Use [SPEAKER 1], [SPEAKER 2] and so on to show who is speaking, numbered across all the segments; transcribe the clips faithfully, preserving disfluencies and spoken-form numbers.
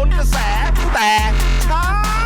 [SPEAKER 1] นกระแสแต่เช้า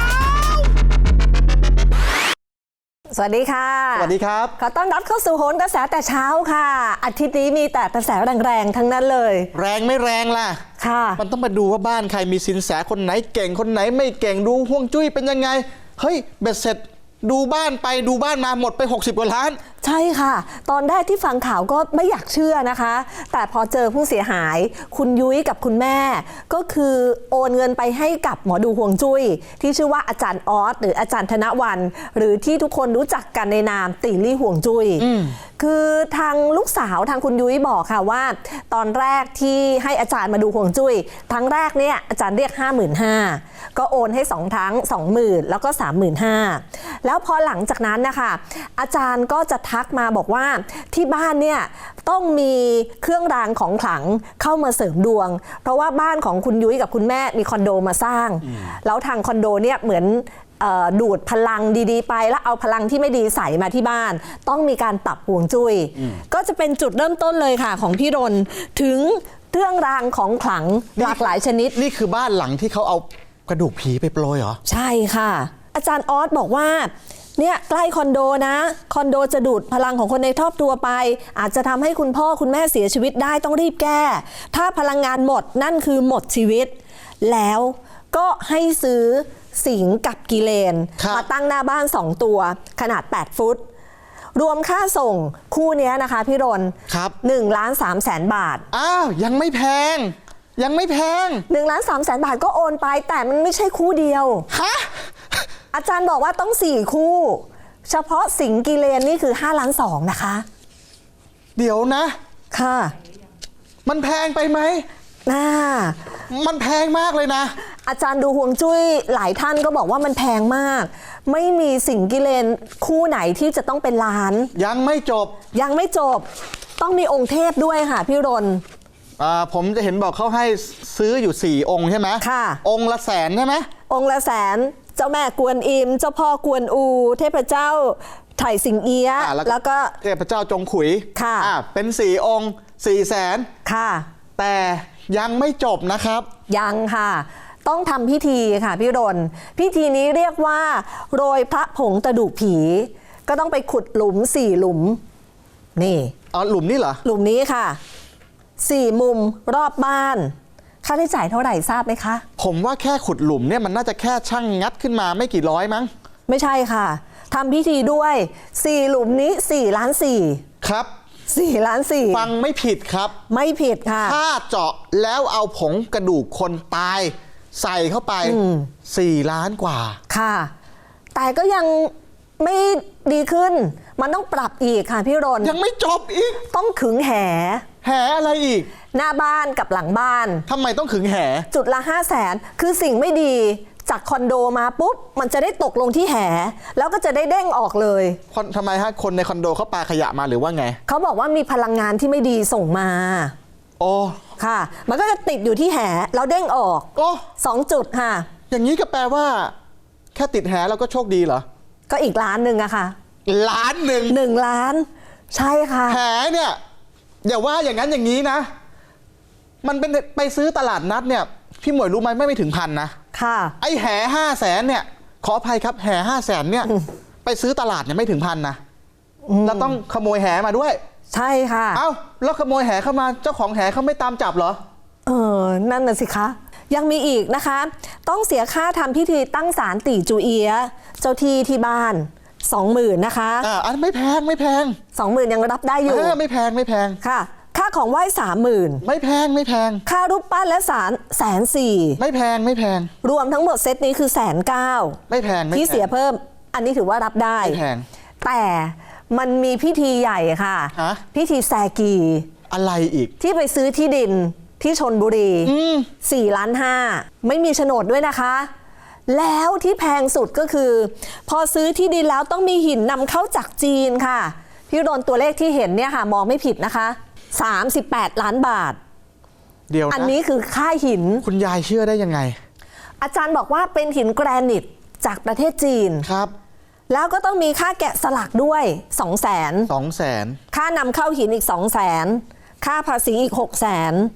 [SPEAKER 2] สวัสดีค่ะ
[SPEAKER 3] สวัสดีครับ
[SPEAKER 2] ขอต้อนรับเข้าสู่โหนกระแสแต่เช้าค่ะอาทิตย์นี้มีแต่กระแสแรงๆทั้งนั้นเลย
[SPEAKER 3] แรงไม่แรงล่ะ
[SPEAKER 2] ค่ะ
[SPEAKER 3] มันต้องมาดูว่าบ้านใครมีสินแสคนไหนเก่งคนไหนไม่เก่งดูห่วงจุ้ยเป็นยังไงเฮ้ยเบ็ดเสร็จดูบ้านไปดูบ้านมาหมดไปหกสิบกว่าล้าน
[SPEAKER 2] ใช่ค่ะตอนแรกที่ฟังข่าวก็ไม่อยากเชื่อนะคะแต่พอเจอผู้เสียหายคุณยุ้ยกับคุณแม่ก็คือโอนเงินไปให้กับหมอดูห่วงจุ้ยที่ชื่อว่าอาจารย์ออสหรืออาจารย์ธนวรรณหรือที่ทุกคนรู้จักกันในนามติ่งลี่ห่วงจุ้ยคือทางลูกสาวทางคุณยุ้ยบอกค่ะว่าตอนแรกที่ให้อาจารย์มาดูห่วงจุ้ยทั้งแรกเนี่ยอาจารย์เรียก ห้าหมื่นห้าพัน ก็โอนให้สองทั้ง สองหมื่น แล้วก็ สามหมื่นห้าพัน แล้วพอหลังจากนั้นนะคะอาจารย์ก็จะทักมาบอกว่าที่บ้านเนี่ยต้องมีเครื่องรางของขลังเข้ามาเสริมดวงเพราะว่าบ้านของคุณยุ้ยกับคุณแม่มีคอนโดมาสร้างแล้วทางคอนโดเนี่ยเหมือนดูดพลังดีๆไปแล้วเอาพลังที่ไม่ดีใส่มาที่บ้านต้องมีการปรับห่วงจุ้ยก็จะเป็นจุดเริ่มต้นเลยค่ะของพี่รนถึงเครื่องรางของขลังหลากหลายชนิด
[SPEAKER 3] นี่คือบ้านหลังที่เขาเอากระดูกผีไปโปรยเหรอ
[SPEAKER 2] ใช่ค่ะอาจารย์ออสบอกว่าเนี่ยใกล้คอนโดนะคอนโดจะดูดพลังของคนในครอบครัวไปอาจจะทำให้คุณพ่อคุณแม่เสียชีวิตได้ต้องรีบแก้ถ้าพลังงานหมดนั่นคือหมดชีวิตแล้วก็ให้ซื้อสิงกับกิเลนมาตั้งหน้าบ้านสองตัวขนาดแปดฟุตรวมค่าส่งคู่นี้นะคะพี่รน
[SPEAKER 3] ครับ
[SPEAKER 2] หนึ่งล้านสามแสนบาท
[SPEAKER 3] อ้าวยังไม่แพงยังไม่แพง
[SPEAKER 2] หนึ่งล้านสามแสนบาทก็โอนไปแต่มันไม่ใช่คู่เดียว
[SPEAKER 3] ฮะ
[SPEAKER 2] อาจารย์บอกว่าต้องสี่คู่เฉพาะสิงกิเลนนี่คือห้าล้านสองนะคะ
[SPEAKER 3] เดี๋ยวนะ
[SPEAKER 2] ค่ะ
[SPEAKER 3] มันแพงไปไหม
[SPEAKER 2] น่า
[SPEAKER 3] มันแพงมากเลยนะ
[SPEAKER 2] อาจารย์ดูห่วงจุ้ยหลายท่านก็บอกว่ามันแพงมากไม่มีสิงกิเลนคู่ไหนที่จะต้องเป็นล้าน
[SPEAKER 3] ยังไม่จบ
[SPEAKER 2] ยังไม่จบต้องมีองค์เทพด้วยค่ะพี่รน
[SPEAKER 3] อ่าผมจะเห็นบอกเขาให้ซื้ออยู่สี่องค์ใช่ไหม
[SPEAKER 2] ค่ะ
[SPEAKER 3] องค์ละแสนใช่ไหม
[SPEAKER 2] องค์ละแสนเจ้าแม่กวนอิมเจ้าพ่อกวนอูเทพเจ้าไถ่สิงเอียะแล้วก็
[SPEAKER 3] เทพเจ้าจงขุย
[SPEAKER 2] ค่ะ
[SPEAKER 3] อ่าเป็นสี่องค์สี่แสน
[SPEAKER 2] ค่ะ
[SPEAKER 3] แต่ยังไม่จบนะครับ
[SPEAKER 2] ยังค่ะต้องทำพิธีค่ะพี่รนพิธีนี้เรียกว่าโรยพระผงกระดูกผีก็ต้องไปขุดหลุมสี่หลุมนี่
[SPEAKER 3] อ๋อหลุมนี่เหรอ
[SPEAKER 2] หลุมนี้ค่ะสี่มุมรอบบ้านค่าใช้จ่ายเท่าไหร่ทราบไหมคะ
[SPEAKER 3] ผมว่าแค่ขุดหลุมเนี่ยมันน่าจะแค่ช่างงัดขึ้นมาไม่กี่ร้อยมั้ง
[SPEAKER 2] ไม่ใช่ค่ะทำพิธีด้วยสี่หลุมนี้สี่ล้านสี่
[SPEAKER 3] ครับ
[SPEAKER 2] สี่ล้านสี่
[SPEAKER 3] ฟังไม่ผิดครับ
[SPEAKER 2] ไม่ผิดค่ะ
[SPEAKER 3] ถ้าเจาะแล้วเอาผงกระดูกคนตายใส่เข้าไปสี่ล้านกว่า
[SPEAKER 2] ค่ะแต่ก็ยังไม่ดีขึ้นมันต้องปรับอีกค่ะพี่รน
[SPEAKER 3] ยังไม่จบอีก
[SPEAKER 2] ต้องขึงแห
[SPEAKER 3] แหอะไรอีก
[SPEAKER 2] หน้าบ้านกับหลังบ้าน
[SPEAKER 3] ทำไมต้องขึงแห
[SPEAKER 2] จุดละห้าแสนคือสิ่งไม่ดีจากคอนโดมาปุ๊บมันจะได้ตกลงที่แหแล้วก็จะได้เด้งออกเลย
[SPEAKER 3] ทำไมฮะคนในคอนโดเขาปาขยะมาหรือว่าไง
[SPEAKER 2] เขาบอกว่ามีพลังงานที่ไม่ดีส่งมา
[SPEAKER 3] โอ้
[SPEAKER 2] ค่ะมันก็จะติดอยู่ที่แหแล้วเด้งออก
[SPEAKER 3] โอ้
[SPEAKER 2] สองจุดค่ะ
[SPEAKER 3] อย่างนี้ก็แปลว่าแค่ติดแหเราก็โชคดีเหรอ
[SPEAKER 2] ก็อีกล้านหนึ่งอะค่ะ
[SPEAKER 3] ล้านหนึ่ง
[SPEAKER 2] หนึ่งล้านใช่ค่ะ
[SPEAKER 3] แหเนี่ยอย่าว่าอย่างนั้นอย่างนี้นะมันเป็นไปซื้อตลาดนัดเนี่ยพี่หมวยรู้ไหมไม่ไม่ถึงพันนะ
[SPEAKER 2] ค่ะ
[SPEAKER 3] ไอ้แห่ห้าแสนเนี่ยขออภัยครับแห่ห้าแสนเนี่ยไปซื้อตลาดเนี่ยไม่ถึงพันนะแล้วต้องขโมยแห่มาด้วย
[SPEAKER 2] ใช่ค่ะ
[SPEAKER 3] เอ้าแล้วขโมยแห่เข้ามาเจ้าของแห่เขาไม่ตามจับเหรอ
[SPEAKER 2] เออนั่นน่ะสิคะยังมีอีกนะคะต้องเสียค่าทำพิธีตั้งศาลตี่จูเอียะเจ้าที่ที่บ้านสองหมื่นนะคะ
[SPEAKER 3] อ่าอันไม่แพงไม่แพง
[SPEAKER 2] สองหมื่นยังรับได้อยู่
[SPEAKER 3] ไม่แพงไม่แพง
[SPEAKER 2] ค่ะค่าของไหว้สามหมื่น
[SPEAKER 3] ไม่แพงไม่แพง
[SPEAKER 2] ค่ารูปปั้นและศาลแสนสี่
[SPEAKER 3] ไม่แพงไม่แพง
[SPEAKER 2] รวมทั้งหมดเซตนี้คือแสนเก้า
[SPEAKER 3] ไม่แพง
[SPEAKER 2] ที่เสียเพิ่มอันนี้ถือว่ารับได้
[SPEAKER 3] ไม่แพง
[SPEAKER 2] แต่มันมีพิธีใหญ่ค่ะพิธีแซกี
[SPEAKER 3] อะไรอีก
[SPEAKER 2] ที่ไปซื้อที่ดินที่ชลบุรีสี่ล้านห้าไม่มีโฉนดด้วยนะคะแล้วที่แพงสุดก็คือพอซื้อที่ดินแล้วต้องมีหินนำเข้าจากจีนค่ะพี่โดนตัวเลขที่เห็นเนี่ยค่ะมองไม่ผิดนะคะสามสิบแปดล้านบาท
[SPEAKER 3] เดี๋ยวนะ
[SPEAKER 2] อันนี้คือค่าหิน
[SPEAKER 3] คุณยายเชื่อได้ยังไง
[SPEAKER 2] อาจารย์บอกว่าเป็นหินแกรนิตจากประเทศจีน
[SPEAKER 3] ครับ
[SPEAKER 2] แล้วก็ต้องมีค่าแกะสลักด้วยสองแสน
[SPEAKER 3] สองแสน
[SPEAKER 2] ค่านำเข้าหินอีกสองแสนค่าภาษีอีกหกแสน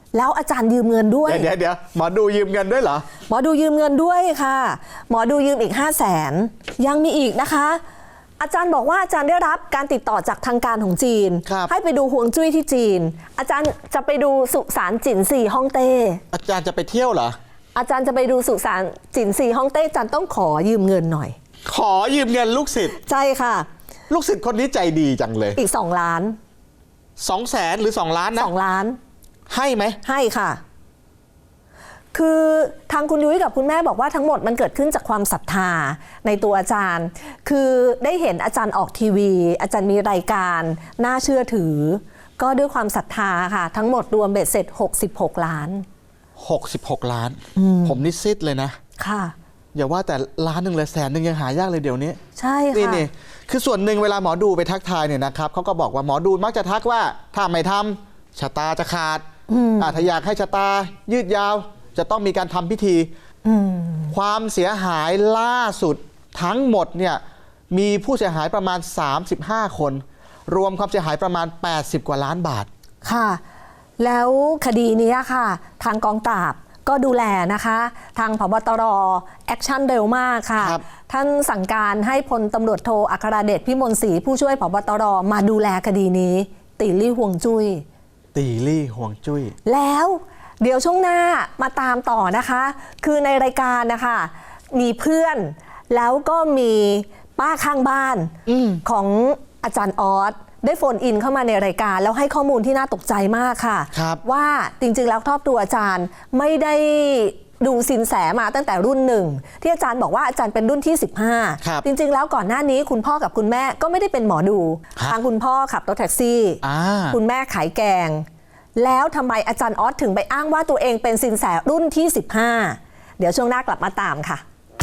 [SPEAKER 2] แล้วอาจารย์ยืมเงินด้วย
[SPEAKER 3] เดี๋ยวเดี๋ยวหมอดูยืมเงินด้วยเหรอ
[SPEAKER 2] หมอดูยืมเงินด้วยค่ะ หมอดูยืมอีก ห้าแสน ยังมีอีกนะคะ อาจารย์บอกว่าอาจารย์ได้รับการติดต่อจากทางการของจีน
[SPEAKER 3] ครับ
[SPEAKER 2] ให้ไปดูฮวงจุ้ยที่จีน อาจารย์จะไปดูสุสานจินซีฮ่องเต้
[SPEAKER 3] อาจารย์จะไปเที่ยวเหรอ
[SPEAKER 2] อาจารย์จะไปดูสุสานจินซีฮ่องเต้อาจารย์ต้องขอยืมเงินหน่อย
[SPEAKER 3] ขอยืมเงินลูกศิษย์
[SPEAKER 2] ใช่ค่ะ
[SPEAKER 3] ลูกศิษย์คนนี้ใจดีจังเลย
[SPEAKER 2] อีก สอง ล้าน
[SPEAKER 3] สองแสนหรือสองล้านนะ
[SPEAKER 2] สอง ล้าน
[SPEAKER 3] ให้ไหม
[SPEAKER 2] ให้ค่ะ คือทางคุณยุ้ยกับคุณแม่บอกว่าทั้งหมดมันเกิดขึ้นจากความศรัทธาในตัวอาจารย์ คือได้เห็นอาจารย์ออกทีวี อาจารย์มีรายการน่าเชื่อถือ ก็ด้วยความศรัทธาค่ะ ทั้งหมดรวมเบ็ดเสร็จหกสิบหกล้าน
[SPEAKER 3] หกสิบหกล้าน ผมนิซิดเลยนะ
[SPEAKER 2] ค่ะ
[SPEAKER 3] อย่าว่าแต่ล้านหนึ่งเลยแสนหนึ่งยังหายากเลยเดี๋ยวนี้
[SPEAKER 2] ใช่
[SPEAKER 3] นี่
[SPEAKER 2] ค่ะ
[SPEAKER 3] นี่คือส่วนหนึ่งเวลาหมอดูไปทักทายเนี่ยนะครับเขาก็บอกว่าหมอดูมักจะทักว่าถ้าไม่ทำชะตาจะขาดอ่าถ้าอยากให้ชะตายืดยาวจะต้องมีการทำพิธี ความเสียหายล่าสุดทั้งหมดเนี่ยมีผู้เสียหายประมาณ สามสิบห้า คน รวมความเสียหายประมาณ แปดสิบ กว่าล้านบาท
[SPEAKER 2] ค่ะ แล้วคดีนี้ค่ะ ทางกองปราบก็ดูแลนะคะ ทางผบตรแอคชั่นเร็วมากค่ะ
[SPEAKER 3] ครับ
[SPEAKER 2] ท่านสั่งการให้พลตำรวจโทอัครเดชพิมลศรีผู้ช่วยผบตรมาดูแลคดีนี้ ตีลี่ห่วงจุ้ย
[SPEAKER 3] ตีลี่ห่วงจุ้ย
[SPEAKER 2] แล้วเดี๋ยวช่วงหน้ามาตามต่อนะคะ คือในรายการนะคะมีเพื่อนแล้วก็มีป้าข้างบ้าน
[SPEAKER 3] อืม
[SPEAKER 2] ของอาจารย์ออสได้โฟนอินเข้ามาในรายการ แล้วให้ข้อมูลที่น่าตกใจมากค่ะ
[SPEAKER 3] ครับ
[SPEAKER 2] ว่าจริงๆแล้วครอบครัวอาจารย์ไม่ได้ดูสินแสมาตั้งแต่รุ่นหนึ่งที่อาจารย์บอกว่าอาจารย์เป็นรุ่นที่ สิบห้า
[SPEAKER 3] ครับ
[SPEAKER 2] จริงๆแล้วก่อนหน้านี้คุณพ่อกับคุณแม่ก็ไม่ได้เป็นหมอดู
[SPEAKER 3] ครับ
[SPEAKER 2] ทางคุณพ่อขับรถแท็กซี่
[SPEAKER 3] อ่า
[SPEAKER 2] คุณแม่ขายแกง แล้วทำไมอาจารย์ออสถึงไปอ้างว่าตัวเองเป็นสินแสรุ่นที่ สิบห้า เดี๋ยวช่วงหน้ากลับมาตามค่ะ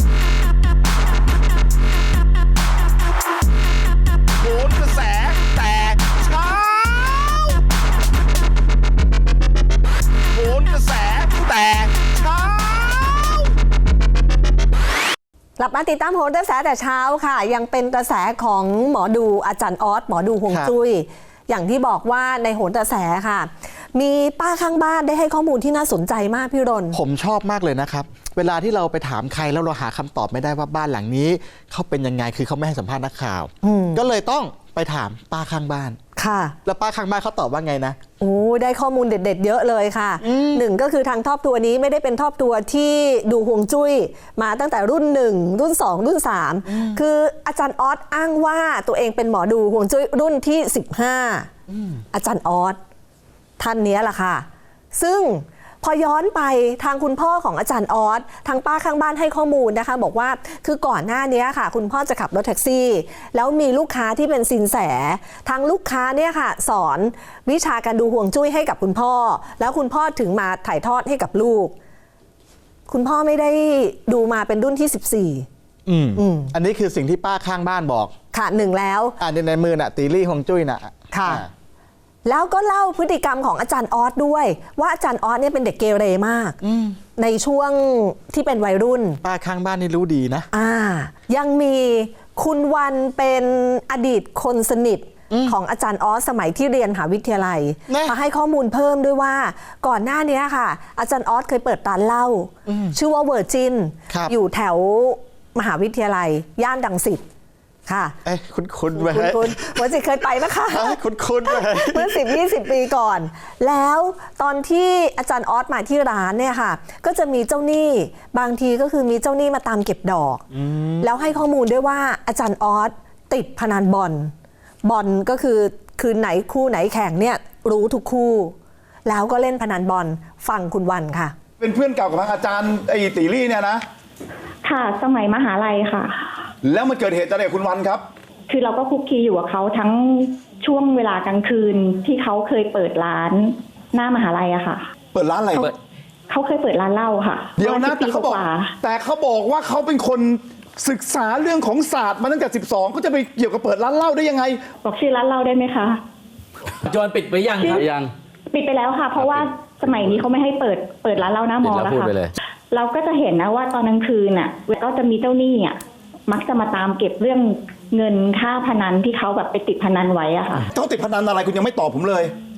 [SPEAKER 1] โหนกระแสแตกเช้าโหนกระแสแตกเช้า
[SPEAKER 2] กลับมาติดตามโหนกระแสแต่เช้าค่ะ ยังเป็นกระแสของหมอดูอาจารย์ออสหมอดูฮวงจุ้ยอย่างที่บอกว่าในโหนกระแสค่ะ มีป้าข้างบ้านได้ให้ข้อมูลที่น่าสนใจมากพี่รณ
[SPEAKER 3] ผมชอบมากเลยนะครับ เวลาที่เราไปถามใครแล้วเราหาคำตอบไม่ได้ว่าบ้านหลังนี้เขาเป็นยังไงคือเขาไม่ให้สัมภาษณ์นักข่าว ก็เลยต้องไปถามป้าข้างบ้าน
[SPEAKER 2] ค่ะ
[SPEAKER 3] แล้วป้าข้างบ้านเขาตอบว่าไงนะ
[SPEAKER 2] โอ้ได้ข้อมูลเด็ด ๆ เยอะเลยค่ะหนึ่งก็คือทางครอบครัวนี้ไม่ได้เป็นครอบครัวที่ดูฮวงจุ้ยมาตั้งแต่รุ่นหนึ่งรุ่นสองรุ่นสามคืออาจารย์ออสอ้างว่าตัวเองเป็นหมอดูฮวงจุ้ยรุ่นที่สิบห้าอาจารย์ออสท่านนี้แหละค่ะ ซึ่งพอย้อนไปทางคุณพ่อของอาจารย์ออสทางป้าข้างบ้านให้ข้อมูลนะคะ บอกว่าคือก่อนหน้านี้ค่ะ คุณพ่อจะขับรถแท็กซี่ แล้วมีลูกค้าที่เป็นซินแสทางลูกค้าเนี่ยค่ะ สอนวิชาการดูห่วงจุ้ยให้กับคุณพ่อ แล้วคุณพ่อถึงมาถ่ายทอดให้กับลูก คุณพ่อไม่ได้ดูมาเป็นรุ่นที่สิบสี่
[SPEAKER 3] อืม
[SPEAKER 2] อืม
[SPEAKER 3] อันนี้คือสิ่งที่ป้าข้างบ้านบอก
[SPEAKER 2] ค่ะหนึ่งแล้ว
[SPEAKER 3] อ่าในในมือน่ะตีลี่ห่วงจุ้ยน่ะ
[SPEAKER 2] ค่ะ
[SPEAKER 3] อ่า
[SPEAKER 2] แล้วก็เล่าพฤติกรรมของอาจารย์ออสด้วย ว่าอาจารย์ออสเนี่ยเป็นเด็กเกเรมากในช่วงที่เป็นวัยรุ่น
[SPEAKER 3] ป้าข้างบ้านนี่รู้ดีนะ
[SPEAKER 2] อ่ายังมีคุณวันเป็นอดีตคนสนิทของอาจารย์ออสสมัยที่เรียนมหาวิทยาลัย
[SPEAKER 3] นะ
[SPEAKER 2] มาให้ข้อมูลเพิ่มด้วยว่าก่อนหน้านี้ค่ะ อาจารย์ออสเคยเปิดร้านเหล้าชื่อว่าเวอร์จิน
[SPEAKER 3] ครับ
[SPEAKER 2] อยู่แถวมหาวิทยาลัย ย่านดังสิตค่ะ
[SPEAKER 3] เอ้ยคุ้นคุ้นๆไป
[SPEAKER 2] คุณคุณเวอร์จินเคยไปนะคะ
[SPEAKER 3] เอ้ยคุ้นคุ้นๆไป
[SPEAKER 2] เมื่อสิบยี่สิบปีก่อน แล้วตอนที่อาจารย์ออสมาที่ร้านเนี่ยค่ะ ก็จะมีเจ้าหนี้บางทีก็คือมีเจ้าหนี้มาตามเก็บดอก แล้วให้ข้อมูลด้วยว่าอาจารย์ออสติดพนันบอลบอลก็คือคืนไหนคู่ไหนแข่งเนี่ยรู้ทุกคู่ แล้วก็เล่นพนันบอลฟังคุณวันค่ะ
[SPEAKER 4] เป็นเพื่อนเก่ากับทางอาจารย์ไอ้ตีลี่เนี่ยนะ
[SPEAKER 5] ค่ะสมัยมหาลัยค่ะ
[SPEAKER 4] แล้วมันเกิดเหตุอะไรกับคุณวันครับ
[SPEAKER 5] คือเราก็คุกคีอยู่กับเขาทั้งช่วงเวลากลางคืนที่เขาเคยเปิดร้านหน้ามหาลัยอะค่ะ
[SPEAKER 4] เปิดร้านอะไร
[SPEAKER 5] เขาเขาเคยเปิดร้านเหล้าค่ะ
[SPEAKER 4] เดี๋ยวนะ
[SPEAKER 5] ประมณ
[SPEAKER 4] แต่
[SPEAKER 5] สิบ
[SPEAKER 4] เขา
[SPEAKER 5] ปี
[SPEAKER 4] บอก
[SPEAKER 5] กว่า
[SPEAKER 4] แต่เขาบอกว่าเขาเป็นคนศึกษาเรื่องของศาสตร์มาตั้งแต่สิบสองก็จะไปเกี่ยวกับเปิดร้านเหล้าได้ยังไง
[SPEAKER 5] บอกชื่อร้านเหล้าได้ไหมคะ
[SPEAKER 6] ปัจจุบันปิดไปยังครับยัง
[SPEAKER 5] ปิดไปแล้วค่ะ เพราะว่าสมัยนี้เขาไม่ให้เปิดเปิดร้านเหล้าหน้ามอ
[SPEAKER 6] ปิดแล้
[SPEAKER 5] แล้ว
[SPEAKER 6] วพูด
[SPEAKER 5] ค่ะ
[SPEAKER 6] ไปเลย
[SPEAKER 5] เราก็จะเห็นนะว่าตอนกลางคืนน่ะก็จะมีเจ้าหนี้อ่ะมักจะมาตามเก็บเรื่องเงินค่าพนันที่เขาแบบไปติดพนันไว้อะค่ะ
[SPEAKER 4] เขาติดพนันอะไรคุณยังไม่ตอบผมเลย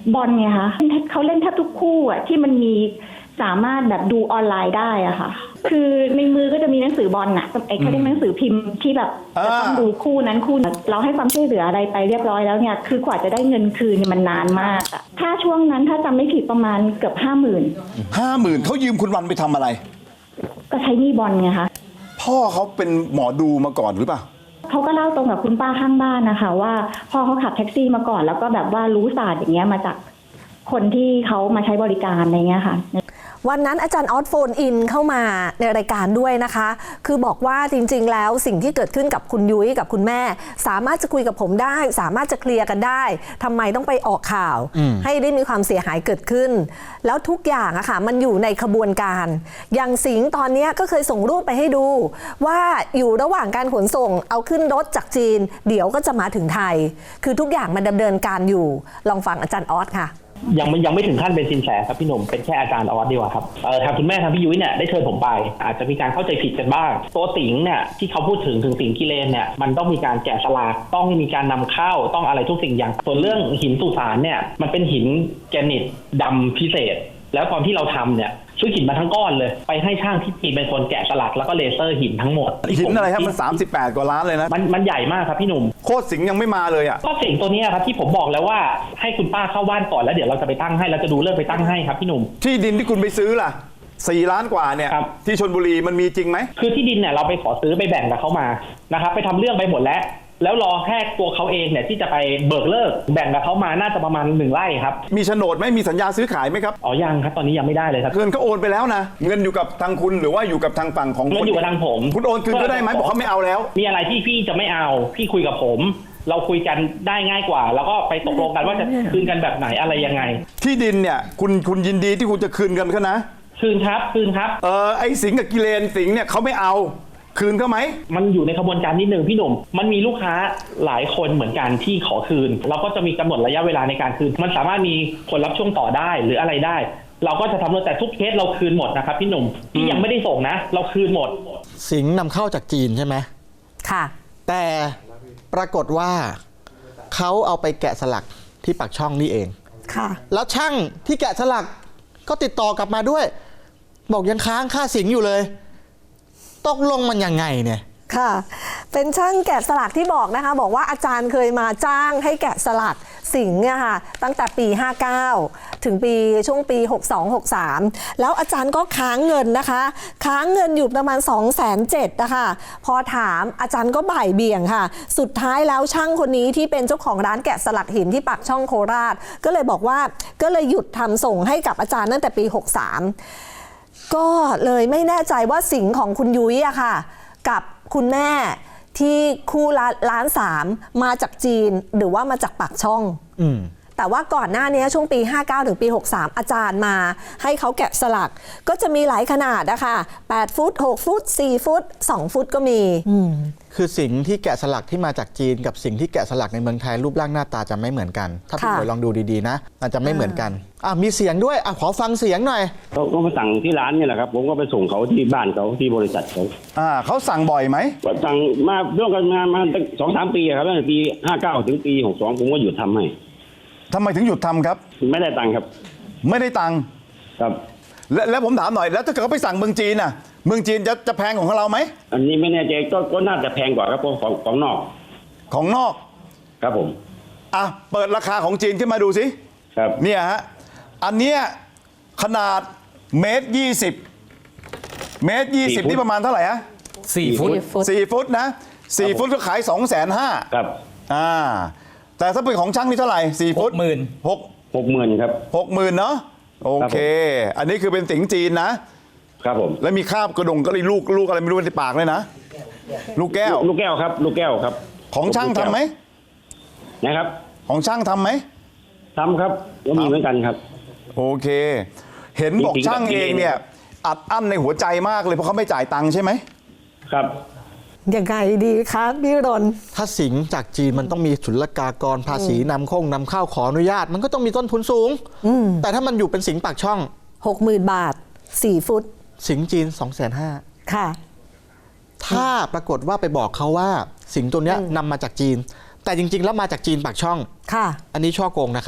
[SPEAKER 5] บอลไงคะเขาเล่นแทบทุกคู่อ่ะที่มันมีสามารถแบบดูออนไลน์ได้อ่ะค่ะคือในมือก็จะมีหนังสือบอลน่ะไอ้เขาเรียกหนังสือพิมพ์ที่แบบจะต้องดูคู่นั้นคู่นั้นเราให้ความช่วยเหลืออะไรไปเรียบร้อยแล้วเนี่ยคือกว่าจะได้เงินคืนเนี่ยมันนานมากอ่ะถ้าช่วงนั้นถ้าจำไม่ผิดประมาณเกือบห้าหมื่น
[SPEAKER 4] ห้าหมื่นเขายืมคุณวันไปทำอะไร
[SPEAKER 5] ก็ใช้หนี้บอลไงคะ
[SPEAKER 4] พ่อเขาเป็นหมอดูมาก่อนหรือเปล่า
[SPEAKER 5] เขาก็เล่าตรงกับคุณป้าข้างบ้านนะคะว่าพ่อเขาขับแท็กซี่มาก่อนแล้วก็แบบว่ารู้ศาสตร์อย่างเงี้ยมาจากคนที่เขามาใช้บริการอะไรเงี้ยค่ะ
[SPEAKER 2] วันนั้นอาจารย์ออสโฟนอินเข้ามาในรายการด้วยนะคะ คือบอกว่าจริงๆแล้วสิ่งที่เกิดขึ้นกับคุณยุ้ยกับคุณแม่สามารถจะคุยกับผมได้สามารถจะเคลียร์กันได้ทำไมต้องไปออกข่าวให้ได้มีความเสียหายเกิดขึ้นแล้วทุกอย่างอะค่ะมันอยู่ในขบวนการอย่างสิงห์ตอนนี้ก็เคยส่งรูปไปให้ดูว่าอยู่ระหว่างการขนส่งเอาขึ้นรถจากจีนเดี๋ยวก็จะมาถึงไทยคือทุกอย่างมันดำเนินการอยู่ลองฟังอาจารย์ออสค่ะ
[SPEAKER 6] ยังไม่ยังไม่ถึงขั้นเป็นสินแสครับพี่หนุ่มเป็นแค่อาจารย์ออสดีกว่าครับเออทางคุณแม่ทางพี่ยุ้ยเนี่ยได้เชิญผมไปอาจจะมีการเข้าใจผิดกันบ้างตัวสิงห์เนี่ยที่เขาพูดถึงถึงสิงห์กิเลนเนี่ยมันต้องมีการแกะสลักต้องมีการนำเข้าต้องอะไรทุกสิ่งอย่างส่วนเรื่องหินสุสานเนี่ยมันเป็นหินแกรนิตดำพิเศษแล้วตอนที่เราทำเนี่ยซื้อหินมาทั้งก้อนเลยไปให้ช่างที่จีนเป็นคนแกะสลักแล้วก็เลเซอร์หินทั้งหมด
[SPEAKER 4] หินอะไรครับมันสามสิบแปดกว่าล้านเลยนะ
[SPEAKER 6] มันมันใหญ่มากครับพี่หนุ่ม
[SPEAKER 4] โคตรสิงห์ยังไม่มาเลยอ่ะ
[SPEAKER 6] ก็สิงห์ตัวนี้ครับที่ผมบอกแล้วว่าให้คุณป้าเข้าบ้านก่อนแล้วเดี๋ยวเราจะไปตั้งให้เราจะดูเรื่องไปตั้งให้ครับพี่หนุ่ม
[SPEAKER 4] ที่ดินที่คุณไปซื้อล่ะสี่ล้านกว่าเนี่ยที่ชลบุรีมันมีจริงไหม
[SPEAKER 6] คือที่ดินเนี่ยเราไปขอซื้อไปแบ่งกับเขามานะครับไปทำเรื่องไปหมดแล้วแล้วรอแค่ตัวเขาเองเนี่ยที่จะไปเบิกเลิกแบ่งกับเขามาน่าจะประมาณหนึ่งไร่ครับ
[SPEAKER 4] มีโฉนดไหมมีสัญญาซื้อขายไหมครับ
[SPEAKER 6] อ๋อยังครับตอนนี้ยังไม่ได้เลยครับ
[SPEAKER 4] เงินเขาโอนไปแล้วนะเงินอยู่กับทางคุณหรือว่าอยู่กับทางฝั่งของ
[SPEAKER 6] เงินอยู่กับทางผม
[SPEAKER 4] คุณโอนคืนก็ได้ไหมบอกเขาไม่เอาแล้ว
[SPEAKER 6] มีอะไรที่พี่จะไม่เอาพี่คุยกับผมเราคุยกันได้ง่ายกว่าแล้วก็ไปตกลงกันว่าจะคืนกันแบบไหนอะไรยังไง
[SPEAKER 4] ที่ดินเนี่ยคุณคุณยินดีที่คุณจะคืนกันเขานะ
[SPEAKER 6] คืนครับคืนครับ
[SPEAKER 4] เออไอ้สิงห์กับกิเลนสิงห์เนี่ยเขาไม่เอาคืนเขาไหม
[SPEAKER 6] มันอยู่ในขบวนการนิดนึงพี่หนุ่มมันมีลูกค้าหลายคนเหมือนกันที่ขอคืนเราก็จะมีกำหนดระยะเวลาในการคืนมันสามารถมีคนรับช่วงต่อได้หรืออะไรได้เราก็จะทำแต่ทุกเคสเราคืนหมดนะครับพี่หนุ่มที่ยังไม่ได้ส่งนะเราคืนหมด
[SPEAKER 3] สิงห์นำเข้าจากจีนใช่ไหม
[SPEAKER 2] ค่ะ
[SPEAKER 3] แต่ปรากฏว่าเขาเอาไปแกะสลักที่ปากช่องนี่เอง
[SPEAKER 2] ค่ะ
[SPEAKER 3] แล้วช่างที่แกะสลักก็ติดต่อกลับมาด้วยบอกยังค้างค่าสิงห์อยู่เลยตกลงมันยังไงเนี่ย
[SPEAKER 2] ค่ะเป็นช่างแกะสลักที่บอกนะคะบอกว่าอาจารย์เคยมาจ้างให้แกะสลักสิงห์เนี่ยค่ะตั้งแต่ปีห้าเก้าถึงปีช่วงปีหกสอง หกสามแล้วอาจารย์ก็ค้างเงินนะคะค้างเงินอยู่ประมาณ สองแสนเจ็ดพัน นะคะพอถามอาจารย์ก็บ่ายเบี่ยงค่ะสุดท้ายแล้วช่างคนนี้ที่เป็นเจ้าของร้านแกะสลักหินที่ปากช่องโคราชก็เลยบอกว่าก็เลยหยุดทำส่งให้กับอาจารย์ตั้งแต่ปีหกสามก็เลยไม่แน่ใจว่าสิงห์ของคุณยุ้ยอะค่ะกับคุณแม่ที่คู่ล้านสามมาจากจีนหรือว่ามาจากปากช่องอืมแต่ว่าก่อนหน้านี้ช่วงปีห้าเก้าถึงปีหกสามอาจารย์มาให้เขาแกะสลักก็จะมีหลายขนาดนะคะแปดฟุตหกฟุตสี่ฟุตสองฟุตก็มีอืม
[SPEAKER 3] คือสิ่งที่แกะสลักที่มาจากจีนกับสิ่งที่แกะสลักในเมืองไทยรูปร่างหน้าตาจะไม่เหมือนกันถ้าพี่หน่วยลองดูดีๆนะมันจะไม่เหมือนกันอ่ะมีเสียงด้วยอ่ะขอฟังเสียงหน่อย
[SPEAKER 7] เขาก็มาสั่งที่ร้านนี่แหละครับผมก็ไปส่งเขาที่บ้านเขาที่บริษัทเขา
[SPEAKER 4] อ่าเขาสั่งบ่อยไหม
[SPEAKER 7] สั่งมาร่วมกันงานมาตั้งสองสามปีครับตั้งแต่ปีห้าเก้าถึงปีหกสองผมก็หยุดทำให้
[SPEAKER 4] ทำไมถึงหยุดทำครับ
[SPEAKER 7] ไม่ได้ตังค์ครับ
[SPEAKER 4] ไม่ได้ตังค์
[SPEAKER 7] ครับ
[SPEAKER 4] และแล้วผมถามหน่อยแล้วถ้าเกิดเขาไปสั่งเมืองจีนน่ะเมืองจีนจะจะแพงของเราไหม
[SPEAKER 7] อันนี้ไม่แน่ใจก็ก็น่าจะแพงกว่าครับของของนอก
[SPEAKER 4] ของนอก
[SPEAKER 7] ครับผม
[SPEAKER 4] อ่ะเปิดราคาของจีนขึ้นมาดูสิ
[SPEAKER 7] ครับ
[SPEAKER 4] เนี่ยฮะอันเนี้ยขนาดเมตรยี่สิบเมตรยี่สิบนี่ประมาณเท่าไหร่ฮะ
[SPEAKER 6] สี่ฟุต
[SPEAKER 4] สี่ฟุตนะสี่ฟุตก็ขายสองแสนห้า
[SPEAKER 7] ครับ
[SPEAKER 4] อ่าแต่ถ้าเป็นของช่างนี่เท่าไหร่สี่ฟุต
[SPEAKER 6] หมื่น
[SPEAKER 4] หก
[SPEAKER 7] หกหมื่นครับ
[SPEAKER 4] หกหมื่นเนาะโอเคอันนี้คือเป็นสิงห์จีนนะครับ
[SPEAKER 7] ผม
[SPEAKER 4] แล้วมีคราบกระดงก็เลยลูกลูกอะไรไม่รู้ในปากเลยนะลูกแก้ว
[SPEAKER 7] ลูกแก้วครับลูกแก้วครับ
[SPEAKER 4] ของช่างทำไหม
[SPEAKER 7] นะครับ
[SPEAKER 4] ของช่างทำไหม
[SPEAKER 7] ทำครับก็มีเหมือนกันครับ
[SPEAKER 4] โอเคเห็นบอกช่างเองเนี่ยอัดอั้นในหัวใจมากเลยเพราะเขาไม่จ่ายตังค์ใช่ไหม
[SPEAKER 7] ครับ
[SPEAKER 2] ยังไงดีคะพี่รน
[SPEAKER 3] ถ้าสิงห์จากจีนมันต้องมีศุลกากรภาษีนำเข้านำเข้าขออนุญาตมันก็ต้องมีต้นทุนสูงแต่ถ้ามันอยู่เป็นสิงห์ปากช่อง
[SPEAKER 2] หกหมื่นบาทสี่ฟุต
[SPEAKER 3] สิงห์จีนสองแสนห้า
[SPEAKER 2] ค่ะ
[SPEAKER 3] ถ้าปรากฏว่าไปบอกเขาว่าสิงห์ตัวเนี้ยนำมาจากจีนแต่จริงๆแล้วมาจากจีนปากช่อง
[SPEAKER 2] ค่ะ
[SPEAKER 3] อันนี้ช่อโกงนะครับ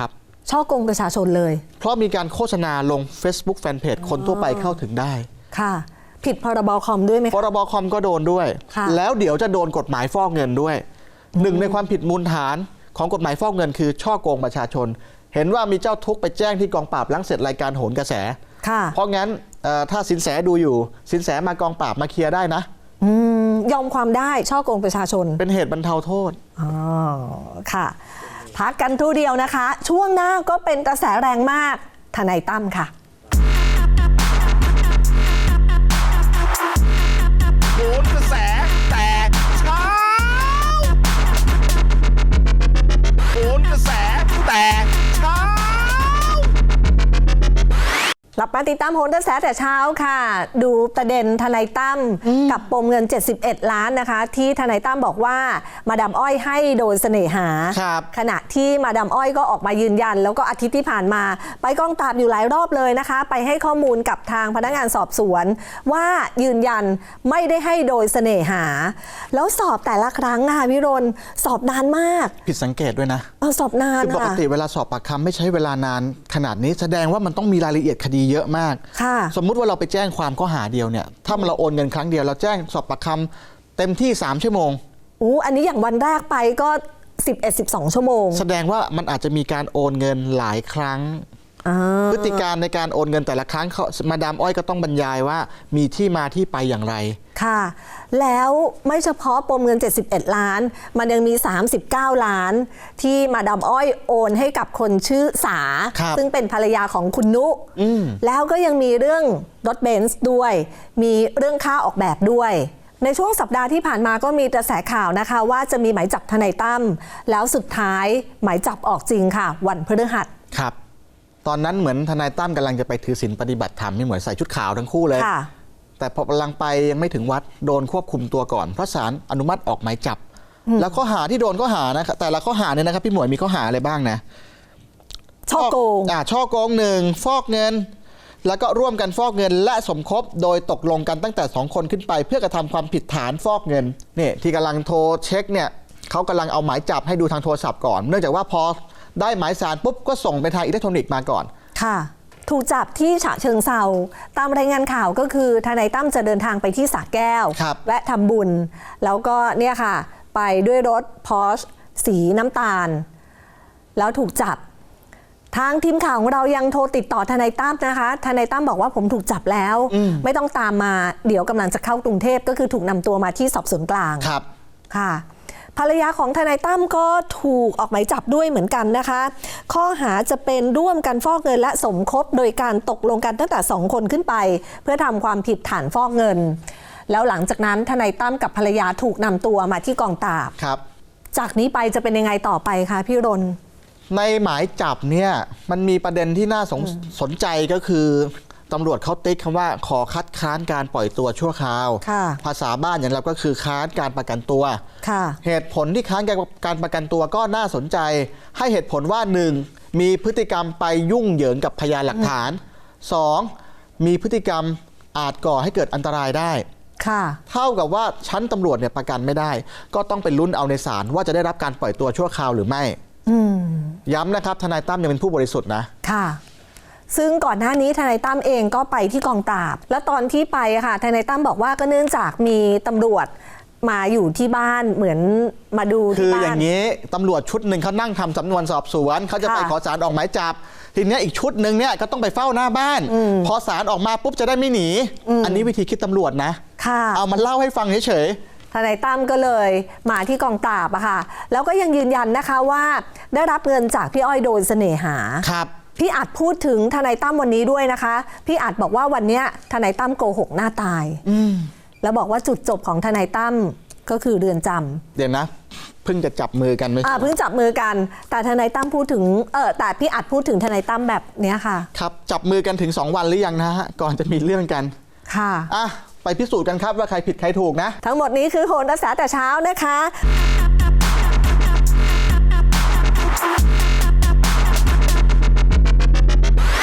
[SPEAKER 2] ช่อโกงประชาชนเลย
[SPEAKER 3] เพราะมีการโฆษณาลง Facebook Fanpage คนทั่วไปเข้าถึงได้
[SPEAKER 2] ค่ะ ผิดพรบคอมด้วยไหม
[SPEAKER 3] พ
[SPEAKER 2] คะ
[SPEAKER 3] รบคอมก็โดนด้วย
[SPEAKER 2] ค่ะ
[SPEAKER 3] แล้วเดี๋ยวจะโดนกฎหมายฟอกเงินด้วย หนึ่งในความผิดมูลฐานของกฎหมายฟอกเงินคือช่อโกงประชาชน เห็นว่ามีเจ้าทุกข์ไปแจ้งที่กองปราบหลังเสร็จรายการโหนกระแส
[SPEAKER 2] ค่ะ
[SPEAKER 3] เพราะงั้นเอ่อถ้าสินแสดูอยู่ สินแสมากองปราบมาเคลียร์ได้นะ
[SPEAKER 2] อืมยอมความได้ช่อโกงประชาชน
[SPEAKER 3] เป็นเหตุบรรเทาโทษ
[SPEAKER 2] อ๋อค่ะพักกันทูเดียวนะคะ ช่วงหน้าก็เป็นกระแสแรงมากทนายตั้มค่ะ
[SPEAKER 1] โหนกระแสแต่เช้าโหนกระแสแต่เช้า
[SPEAKER 2] กลับมาติดตามโหนกระแสแต่เช้าค่ะ ดูประเด็นทนายตั้มกับปมเงินเจ็ดสิบเอ็ดล้านนะคะ ที่ทนายตั้มบอกว่ามาดามอ้อยให้โดยเสน่หา
[SPEAKER 3] ครับ
[SPEAKER 2] ขณะที่มาดามอ้อยก็ออกมายืนยัน แล้วก็อาทิตย์ที่ผ่านมา ไปกองปราบอยู่หลายรอบเลยนะคะ ไปให้ข้อมูลกับทางพนักงานสอบสวน ว่ายืนยันไม่ได้ให้โดยเสน่หา แล้วสอบแต่ละครั้งค่ะวิรนสอบนานมาก
[SPEAKER 3] ผิดสังเกตด้วยนะ
[SPEAKER 2] เออสอบนาน
[SPEAKER 3] คือปก
[SPEAKER 2] ค่ะ
[SPEAKER 3] ติเวลาสอบปากคำไม่ใช้เวลานานขนาดนี้แสดงว่ามันต้องมีรายละเอียดคดีเยอะมาก
[SPEAKER 2] ค่ะ
[SPEAKER 3] สมมุติว่าเราไปแจ้งความข้อหาเดียวเนี่ยถ้าเราโอนเงินครั้งเดียวเราแจ้งสอบปากคำเต็มที่สามชั่วโมง
[SPEAKER 2] อู้อันนี้อย่างวันแรกไปก็ สิบเอ็ด สิบสอง ชั่วโมง
[SPEAKER 3] แสดงว่ามันอาจจะมีการโอนเงินหลายครั้ง
[SPEAKER 2] อ่า
[SPEAKER 3] พฤติการในการโอนเงินแต่ละครั้งเขามาดามอ้อยก็ต้องบรรยายว่ามีที่มาที่ไปอย่างไร
[SPEAKER 2] ค่ะ แล้วไม่เฉพาะปมเงินเจ็ดสิบเอ็ดล้าน มันยังมีสามสิบเก้าล้าน ที่มาดามอ้อยโอนให้กับคนชื่อสา
[SPEAKER 3] ครับ
[SPEAKER 2] ซึ่งเป็นภรรยาของคุณนุ แล้วก็ยังมีเรื่องรถเบนซ์ด้วย มีเรื่องค่าออกแบบด้วย ในช่วงสัปดาห์ที่ผ่านมาก็มีกระแสข่าวนะคะ ว่าจะมีหมายจับทนายตั้มแล้วสุดท้ายหมายจับออกจริงค่ะ วันพฤหัส
[SPEAKER 3] ครับ ตอนนั้นเหมือนทนายตั้มกำลังจะไปถือศีลปฏิบัติธรรมไม่เหมือนใส่ชุดขาวทั้งคู่เลย
[SPEAKER 2] ค่ะ
[SPEAKER 3] แต่พอกำลังไปยังไม่ถึงวัดโดนควบคุมตัวก่อนเพราะศาลอนุมัติออกหมายจับ แล้วข้อหาที่โดนข้อหานะครับแต่ละข้อหาเนี่ยนะครับพี่หมวยมีข้อหาอะไรบ้างนะ
[SPEAKER 2] ช่อโกง
[SPEAKER 3] อ่าช่อโกงหนึ่งฟอกเงิน แล้วก็ร่วมกันฟอกเงิน และสมคบโดยตกลงกันตั้งแต่สองคนขึ้นไป เพื่อกระทำความผิดฐานฟอกเงินนี่ที่กำลังโทรเช็คเนี่ยเขากำลังเอาหมายจับให้ดูทางโทรศัพท์ก่อน เนื่องจากว่าพอได้หมายสารปุ๊บก็ส่งไปทางอิเล็กทรอนิกส์มาก่อน
[SPEAKER 2] ค่ะ ถูกจับที่ฉะเชิงเซาตามรายงานข่าวก็คือทนายตั้มจะเดินทางไปที่สระแก้ว
[SPEAKER 3] ครับ
[SPEAKER 2] แวะทำบุญ แล้วก็เนี่ยค่ะ ไปด้วยรถพอร์ชสีน้ำตาล แล้วถูกจับ ทางทีมข่าวของเรายังโทรติดต่อทนายตั้มนะคะทนายตั้มบอกว่าผมถูกจับแล้ว ไม่ต้องตามมาเดี๋ยวกำลังจะเข้ากรุงเทพก็คือถูกนำตัวมาที่สอบสวนกลาง
[SPEAKER 3] ครับ
[SPEAKER 2] ค่ะภรรยาของทนายตั้มก็ถูกออกหมายจับด้วยเหมือนกันนะคะ ข้อหาจะเป็นร่วมกันฟอกเงินและสมคบโดยการตกลงกันตั้งแต่สองคนขึ้นไป เพื่อทำความผิดฐานฟอกเงิน แล้วหลังจากนั้นทนายตั้มกับภรรยาถูกนำตัวมาที่กองปราบ
[SPEAKER 3] ครับ
[SPEAKER 2] จากนี้ไปจะเป็นยังไงต่อไปคะพี่รน
[SPEAKER 3] ในหมายจับเนี่ยมันมีประเด็นที่น่าสนสนใจก็คือตำรวจเขาติ๊กคำว่าขอคัดค้านการปล่อยตัวชั่วคราว
[SPEAKER 2] ค่ะ
[SPEAKER 3] ภาษาบ้านอย่างเราก็คือค้านการประกันตัว
[SPEAKER 2] ค่ะ
[SPEAKER 3] เหตุผลที่ค้านการประกันตัวก็น่าสนใจ ให้เหตุผลว่า หนึ่ง มีพฤติกรรมไปยุ่งเหยิงกับพยานหลักฐาน สอง มีพฤติกรรมอาจก่อให้เกิดอันตรายได้
[SPEAKER 2] ค่ะ
[SPEAKER 3] เท่ากับว่าชั้นตำรวจเนี่ยประกันไม่ได้ ก็ต้องไปลุ้นเอาในศาลว่าจะได้รับการปล่อยตัวชั่วคราวหรือไม่
[SPEAKER 2] อืม
[SPEAKER 3] ย้ำนะครับทนายตั้มยังเป็นผู้บริสุทธิ์นะ
[SPEAKER 2] ค่ะ ซึ่งก่อนหน้านี้ทนายตั้มเองก็ไปที่กองปราบ และตอนที่ไปอะค่ะทนายตั้มบอกว่าก็เนื่องจากมีตำรวจมาอยู่ที่บ้านเหมือนมาดู
[SPEAKER 3] คื
[SPEAKER 2] ที่
[SPEAKER 3] อ
[SPEAKER 2] บ้าน
[SPEAKER 3] อย่างนี้ตำรวจชุดหนึ่งเขานั่งทำสำนวนสอบสวนเขาจะไป
[SPEAKER 2] ค่ะ
[SPEAKER 3] ขอศาลออกหมายจับ ทีเนี้ยอีกชุดหนึ่งเนี่ยก็ต้องไปเฝ้าหน้าบ้าน พอศาลออกมาปุ๊บจะได้ไม่หนี อันนี้วิธีคิดตำรวจนะ
[SPEAKER 2] ค่ะ
[SPEAKER 3] เอามาเล่าให้ฟังเฉย
[SPEAKER 2] ทนายตั้มก็เลยมาที่กองปราบอะค่ะ แล้วก็ยังยืนยันนะคะว่าได้รับเงินจากพี่อ้อยโดยเสน่หา
[SPEAKER 3] ๆครับ
[SPEAKER 2] พี่อัดพูดถึงทนายตั้มวันนี้ด้วยนะคะ พี่อัดบอกว่าวันเนี้ยทนายตั้มโกหกหน้าตายแล้วบอกว่าจุดจบของทนายตั้มก็คือเรือนจำ
[SPEAKER 3] เดี๋ยวนะเพิ่งจะจับมือกันไหม
[SPEAKER 2] อ่าเพิ่งจับมือกัน แต่ทนายตั้มพูดถึงเออแต่พี่อัดพูดถึงทนายตั้มแบบเนี้ยค่ะ
[SPEAKER 3] ครับจับมือกันถึงสองวันหรือยังนะฮะก่อนจะมีเรื่องกัน
[SPEAKER 2] ค่ะ
[SPEAKER 3] อ่ะไปพิสูจน์กันครับว่าใครผิดใครถูกนะ
[SPEAKER 2] ทั้งหมดนี้คือโหนกระแสแต่เช้านะคะ